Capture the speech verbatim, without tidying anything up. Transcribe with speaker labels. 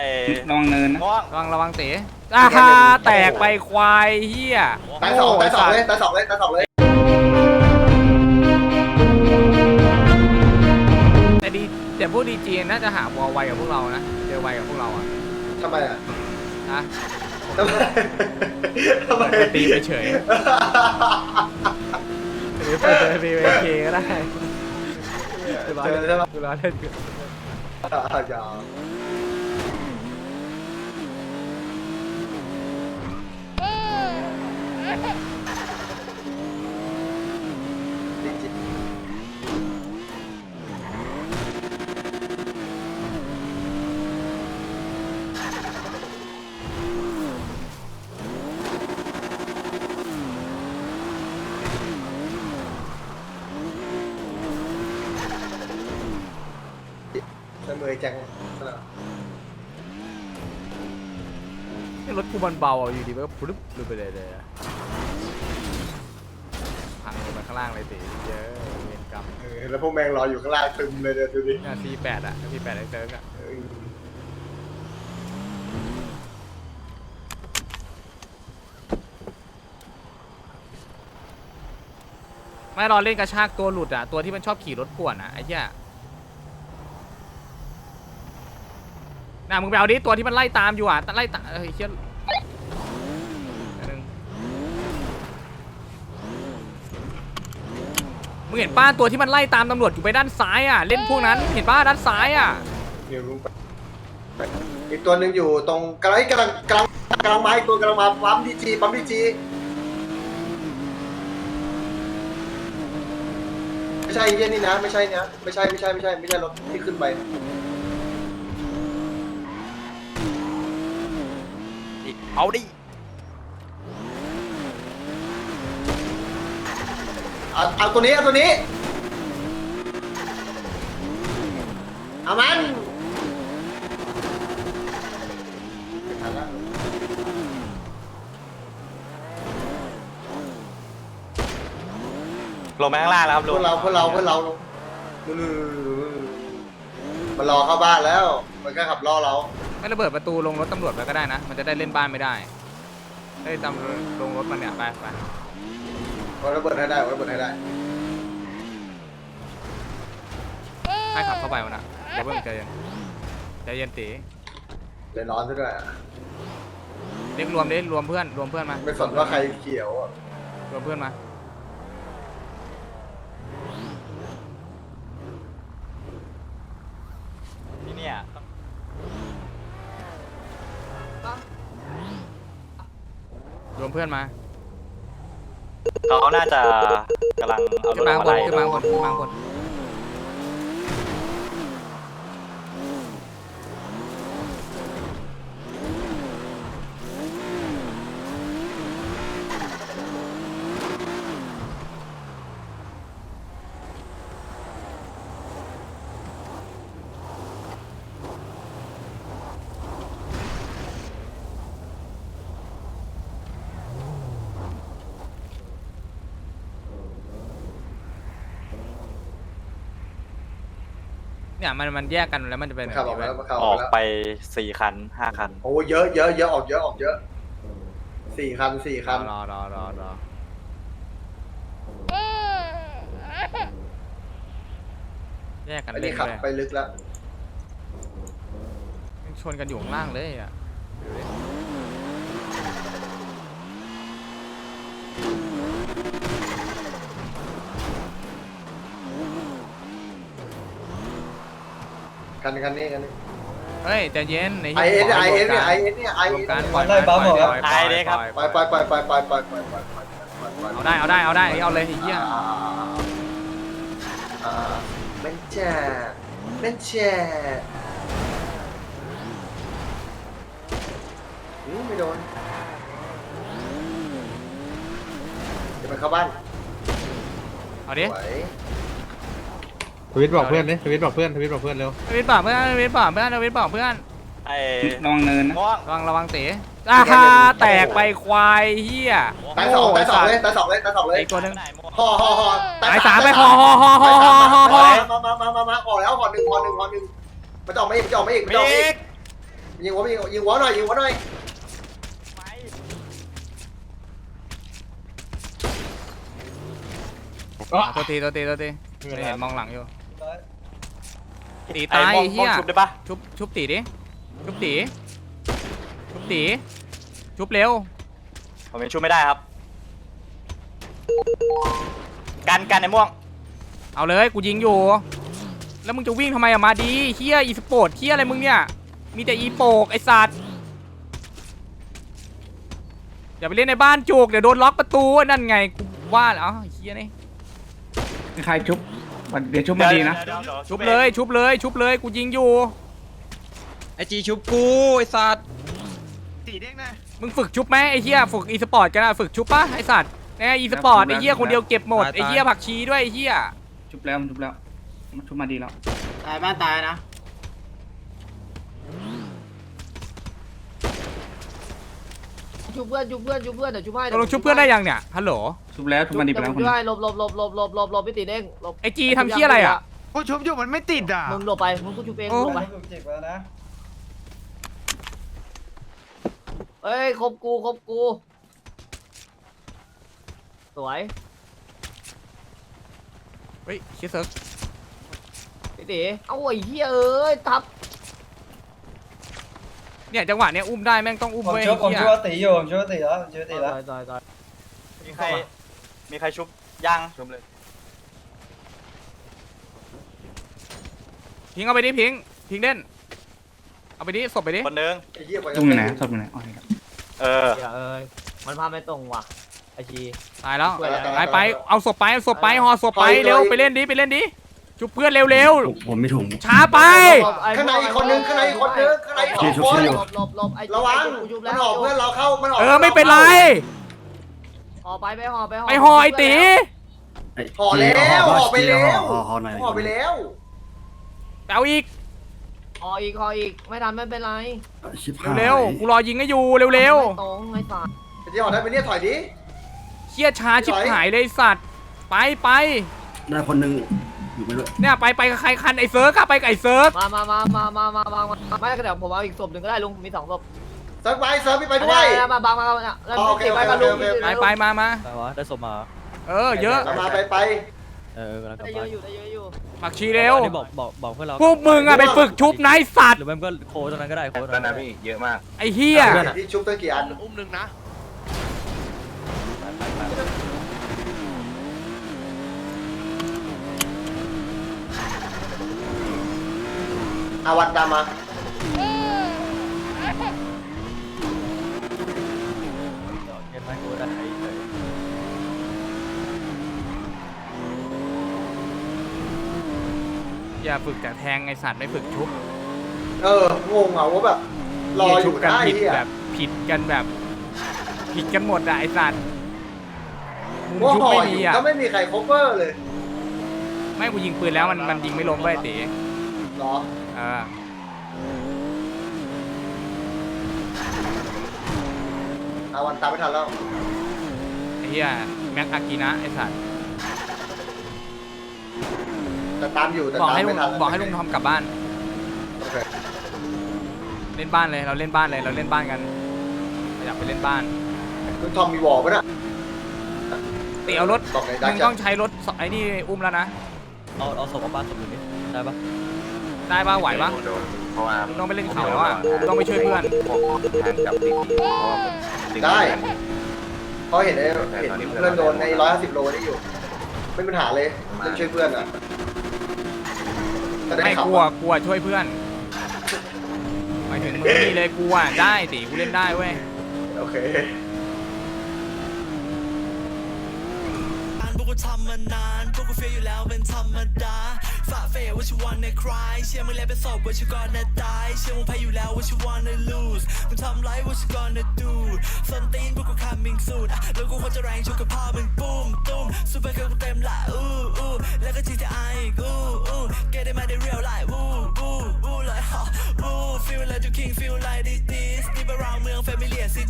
Speaker 1: ระวังเนินนะ
Speaker 2: ระวังระวังเต๋อ่าแตกไปควายเฮีย
Speaker 3: ตายสองตายสองเลยตายสองเลยตายสองเลย
Speaker 2: แต่ดีแต่พวกดีจีน่าจะหาวอลไวกับพวกเรานะเจอไวกับพวกเราอ่ะ
Speaker 3: ทำไมอ่ะ
Speaker 2: นะ
Speaker 3: ทำไมทำไม
Speaker 2: ตีไปเฉยหรือไปเจอตีไปเคก็ได้คือร้อนเล่นคือร้อนเล่นคือ
Speaker 3: อย่าเสมอจัง
Speaker 2: รถกูมันเบาอยู่ดีมันก็ปุ๊บลงไปเลยเลยพังลงไปข้างล่างเลยตีเยอะเวรกรรม
Speaker 3: แล้วพวกแมงรออยู่ข้างล่างตึมเลยเดี๋ยวดูดิ
Speaker 2: ทีแปดอ่ะทีแปดไอ้เซิร์กอ่ะไม่รอเล่นกระชากตัวหลุดอ่ะตัวที่มันชอบขี่รถป่วนอ่ะไอ้เหี้ยน่ะมึงไปเอาดิตัวที่มันไล่ตามอยู่อ่ะไล่ตามเฮ้ยเชี่ยมึงเห็นป้าตัวที่มันไล่ตามตำรวจอยู่ไปด้านซ้ายอ่ะเล่นพวกนั้นเห็นป้าด้านซ้ายอ่ะ
Speaker 3: อีกตัวหนึ่งอยู่ตรงกำลังกำลังกำลังกำลังมาอีกตัวกำลังมาปั๊มดีจีปั๊มดีจีไม่ใช่เย็นนี่นะไม่ใช่นะไม่ใช่ไม่ใช่ไม่ใช่ไม่ใช่รถที่ขึ้นไป
Speaker 1: เอาดิ
Speaker 3: เอาเอาตัวนี้เอาตัวนี้เอามัน
Speaker 1: ลงไปข้างล่างแล้วครับ
Speaker 3: พ
Speaker 1: ลุ
Speaker 3: ว
Speaker 1: ง
Speaker 3: กเราพวกเราพวกเรามันรอเข้าบ้านแล้วมันก็ขับล่อเรา
Speaker 2: ไม่ระเบิดประตูลงรถตำรวจไปก็ได้นะมันจะได้เล่นบ้านไม่ได้ได้ตามลงรถมันเนี่ยไปไป
Speaker 3: วันระเบิดให้ได้วันระเบิดให้ได้
Speaker 2: ให้ขับเข้าไปวะนะเดี๋ยวเพิ่งใจเย็นใจเย็นตี
Speaker 3: เดี๋ยวร้อนซะด้วย
Speaker 2: เรียกรวมดิรวมเพื่อนรวมเพื่อนมา
Speaker 3: ไม่สนว่าใครเขียว
Speaker 2: รวมเพื่อนมา
Speaker 1: ที่เนี่ย
Speaker 2: รวมเพื่อนมา
Speaker 1: เขาน่าจะกำลังเอารถมาไล่
Speaker 2: ขึ้นมาบนขึ้นมาบนเนี่ยมันมันแยกกันแล้วมันจะเป็น
Speaker 3: ขับออกแล้ว
Speaker 1: ออกไปสี่คันห้าคัน
Speaker 3: โอ้เยอะเยอะเยอะออกเยอะออกเยอะสี่คันสี่คัน
Speaker 2: รอรอรอรอแยกกันเล่น
Speaker 3: ขับไปลึกแล้ว
Speaker 2: ชนกันอยู่ข้างล่างเลยอ่ะ
Speaker 3: คันคันนี้คันนี้
Speaker 2: เฮ้ยใจเย็น
Speaker 3: ไอเอสไอเอสเนี่ยไอเอสเนี่ยไอเอส
Speaker 2: การปล่อยปล่อยปล่อย
Speaker 1: ไอเด็กครับ
Speaker 3: ปล่อยปล่อยปล่อยปล่อยปล่อยปล่อยปล่อยปล่อย
Speaker 2: เอาได้เอาได้เอาได้เอาเลยไอ้เหี้ย
Speaker 3: เป็นแช่เป็นแช่ไม่โดนเดี๋ยวไปเข้าบ้าน
Speaker 2: เอาดิ
Speaker 4: ทวิตบอกเพื่อนดิทวิตบอกเพื่อนทวิตบอกเพื่อนเร็ว
Speaker 2: ทวิตบอกเพื่อนทวิตบอกเพื่อนทวิตบอกเพื่อน
Speaker 1: ไอ้
Speaker 2: ระวังเนินนะระวังระวังเต๋อ่าแตกไปควายเฮีย
Speaker 3: ตายสองตายสองเลยตายสองเลยตายสองเลย
Speaker 2: อีกตัวนึง
Speaker 3: ห่อห่อห่อ
Speaker 2: ตายสามไปห่อห่อห่อห่อห่อห่อ
Speaker 3: มามามามามาห่อแล้วห่อหนึ่งห่อหนึ่งห่อหนึ่งมันจะออกไม่อีกจะออกไม่อีกจะออกไม่อีกยิงหัวยิงยิงหัวหน่อยยิงหัวหน่อย
Speaker 2: อ่ะตัวตีตัวตีตัวตีไม่เห็นมองหลังอยู่ตี
Speaker 1: ไอ้
Speaker 2: ตาย
Speaker 1: ม่วง
Speaker 2: เฮีย
Speaker 1: ม่วงชุบได้ปะ
Speaker 2: ชุบชุบตีดิชุบตีชุบตีชุบเร็ว
Speaker 1: ผมยังชุบไม่ได้ครับ กันกันไอ้ม่วง
Speaker 2: เอาเลยกูยิงอยู่ แล้วมึงจะวิ่งทำไมอะมาดีเฮียอีสปอร์ตเฮียอะไรมึงเนี่ยมีแต่อีโปกไอสัตว์อย่าไปเล่นในบ้านจุกเดี๋ยวโดนล็อกประตูนั่นไงกูว่าแล้วเฮียนี่
Speaker 5: ใครชุบเดี๋ยวชุบมาดีนะ
Speaker 1: เดี๋ยวเดี๋ยว
Speaker 2: ชุบเลยชุบเลยชุบเลยกูยิงอยู่
Speaker 6: ไอจีชุบกูไอสัตว์
Speaker 2: มึงฝึกชุบไหมไอเฮียฝึกอีสปอร์ตกันอะฝึกชุบปะไอสัตว์แน่อีสปอร์ตไอเฮียคนเดียวเก็บหมดไอเฮียผักชีด้วยไอเฮีย
Speaker 5: ชุบแล้วมันชุบแล้วมันชุบมาดีแล้ว
Speaker 6: ตายบ้านตายนะ
Speaker 7: ชุบเพื่อนชุบเพื่อนชุบเพื่อนเดี๋ยวชุบให้
Speaker 2: ตกลงชุบเพื่อนได้ยังเนี่ยฮัลโหล
Speaker 5: ชุบแล้วชุบมาดีไป
Speaker 7: เดี๋ยว
Speaker 5: แล้ว
Speaker 7: ผม
Speaker 5: คน
Speaker 7: ชุบให้หลบหลบหลบหลบหลบหลบหลบพี่ตีเด้งหลบ
Speaker 2: ไอจีทำเฮียอะไรอะ
Speaker 6: กูชุบอยู่มันไม่ติดอ่ะ
Speaker 7: มึงหลบไปมึงก็ชุบเอง
Speaker 2: โอ้
Speaker 7: หลบไปเอ้ยครบกูครบกูสวย
Speaker 2: เฮ้ยเชี่ยเซิร์ฟ
Speaker 7: พี่ตีเอาไอ้เหี้ยเอ้ยทับ
Speaker 2: เนี่ยจังหวะเนี้ยอุ้มได้แม่งต้องอุ้ม
Speaker 8: ผม
Speaker 2: เว้ย
Speaker 8: ช่วยผม
Speaker 2: เฮีย
Speaker 8: ช่วยตีอยู่ผมช่วยตีแล้วผมช่วยตีแล้ว
Speaker 7: ตายตายตาย
Speaker 1: มีใครมีใครชุบยังชุบเลย
Speaker 2: พิงเอาไปดิพิงพิงเด่นเอาไปดิศพไปดิ
Speaker 1: คนหนึง
Speaker 3: ไอ้เหี้ย
Speaker 5: ชุบอยู่ไหนชุบอยู่ไหนอ๋อนี่ครับ
Speaker 1: เออ
Speaker 7: เหี้ยเอ้ยมันพาไม่ตรงว่ะไอชี
Speaker 2: ตายแล้ว
Speaker 7: ช่วยแล้ว
Speaker 2: ไปไปเอาศพไปเอาศพไปห่อศพไปเร็วไปเล่นดิไปเล่นดิจุบเพื่อนเร็ว
Speaker 9: ผมไม่ถุง
Speaker 2: ๆช้าไป
Speaker 3: ข้างในอีกคนนึงข้างในอีกคนนึงข้างในอีกสองคน
Speaker 7: หลบหลบหลบไอ้
Speaker 3: ระวัง
Speaker 7: กูชุบ
Speaker 3: มั
Speaker 7: แล้
Speaker 3: น
Speaker 7: ว
Speaker 3: ออกเพื่อนเราเข้ามันออก
Speaker 2: เออไม่เป็นไร
Speaker 7: ห่อไปไปห่อไปห่อ
Speaker 2: ไปห่อไอตี
Speaker 3: ห่อแล้วห่อไปแล้ว
Speaker 9: ห่อห่อหน่อย
Speaker 3: ห่อไปแล้ว
Speaker 2: เอาอีก
Speaker 7: ห่ออีกห่ออีกไม่ทันไม่เป็นไร
Speaker 9: ชิบหาย
Speaker 2: เร็วๆกูรอยิงให้อยู่เร็ว
Speaker 7: ไม่ตรงไม่ตาย
Speaker 3: ไอ้ที่ห่อได้ไปเนี่ยถอยดิ
Speaker 2: ๆเชี่ยช้าชิบหายเลยไอ้สัตว์ไปไป
Speaker 9: ได้คนหนึงอยู่ไม่ด้วย
Speaker 2: เนี่ยไปไปกับใครคันไอเซิร์กอะไปกับไอเซิร์ก
Speaker 7: มามามามามามามามาไม่ก็เดี๋ยวผมเอาอีกศพหนึ่งก็ได้ลุงมีสองศพ
Speaker 3: เซิร์ฟไปเซิร์ฟพี่ไปด้วย
Speaker 7: มามาบังมาแล้ว
Speaker 3: อ๋อโอเค
Speaker 7: ติดไปกับลุง
Speaker 3: โอเคโอเค
Speaker 2: ไปไปมามา
Speaker 6: ไปวะได้สมมา
Speaker 2: เออเยอะ
Speaker 3: มาไปไป
Speaker 6: เออกำลังกลับ
Speaker 7: ได้เย
Speaker 6: บ้า
Speaker 7: อะ
Speaker 6: น
Speaker 7: อยู่ได้เยอะอยู่
Speaker 2: ผักชีเร็ว
Speaker 6: อันนี้บอกบอกบอกเพื่อนเรา
Speaker 2: พวกมึงอะไปฝึกชุบนายสัตว์
Speaker 6: หรือไม่ก็โค้ดตรงนั้นก็ได้โค้ดตรงนั้นนะพี่เยอะมาก
Speaker 2: ไอเฮีย
Speaker 3: ที่ชุบตั้งกี่อัน
Speaker 6: อุ้มหนึ่งนะ
Speaker 3: อาวันตามมา
Speaker 6: เห็นไหมโค้ดได้เฉย
Speaker 2: อย่าฝึกแต่แทงไอสัตว์ไม่ฝึกชุบ
Speaker 3: เอองงอ่ะว่าแบบรออ
Speaker 2: ชุ
Speaker 3: ยู่
Speaker 2: บกัน
Speaker 3: ได้
Speaker 2: ผิด
Speaker 3: เหี้ย
Speaker 2: แบบผิดกันแบบผิดกันหมดอะไอสัตว์มุม
Speaker 3: ว่า
Speaker 2: ชุบ
Speaker 3: ห่อ
Speaker 2: ไม่
Speaker 3: อ
Speaker 2: มี
Speaker 3: ยู่
Speaker 2: อะ
Speaker 3: ก็ไม่มีใครโคเวอร์เลย
Speaker 2: ไม่กูยิงปืนแล้วมันมันยิงไม่ล้มเว้ยตี
Speaker 3: เหรอ
Speaker 2: เออ
Speaker 3: อาวันตามไม่ทันแล้ว
Speaker 2: ไอ้เฮียแม็กอากินะไอสัตว์
Speaker 3: แต่ตามอยู่แต่
Speaker 2: บอก
Speaker 3: ตาม
Speaker 2: ให้ลุ
Speaker 3: ไม่
Speaker 2: ง
Speaker 3: ทัน
Speaker 2: บอกให้ลุงทอมกลับบ้าน
Speaker 3: โอเค
Speaker 2: เล่นบ้านเลยเราเล่นบ้านเลยเราเล่นบ้านกันเราอยากไปเล่นบ้าน
Speaker 3: คุณทอมมีวอลปะน่ะ
Speaker 2: ตีเอารถ
Speaker 3: บอกไหนได้
Speaker 2: มึง
Speaker 3: จ้ะ
Speaker 2: ต้องใช้รถไอ้นี่อุ้มแล้วนะ
Speaker 6: เอาเอาศพเอาบ้านศพอยู่นี่ได้ปะ
Speaker 2: ได้ป่ะไหวป่ะ
Speaker 1: เพราะว่า
Speaker 2: มึงต้องไปเล่นเขาแล้วอ่ะมึงต้องไปช่วยเพื่อน
Speaker 3: ได้เพราะเห็นไอ้เห็นเพื่อนโดนในร้อยห้าสิบโลนี่อยู่ ไม่มีปัญหาเลยเล่นช่วยเพื่อนอ่ะจะได้
Speaker 2: ไม่
Speaker 3: ขับ
Speaker 2: กลัวกลัวช่วยเพื่อนหมายถึงมึงนี่เลยกลัวได้ตีกูเล่นได้เว้ย
Speaker 3: โอเค
Speaker 10: พวกกูทำมานานพวกกูเฟียอยู่แล้วเป็นธรรมดาฝ่าเฟยว่าชิวันในคลายเชื่อมึงแล้วเป็นศพว่าชิวก่อนนะตายเชื่อมึงแพ้อยู่แล้วว่าชิวันใน lose มึงทำไรว่าชิก่อนนะ do ส้นตีนพวกกู coming soon อ่ะแล้วกูควรจะแรงชุกกับพ่อมึงปุ้มตุ้มซูเปอร์เกิร์ลกูเต็มละอู้อู้แล้วก็ จี ที ไอ อีกอู้อู้ get it มาได้ real life วู้วู้วู้เลยฮะวู้ feel like you king feel like this this deep around เมือง familiar city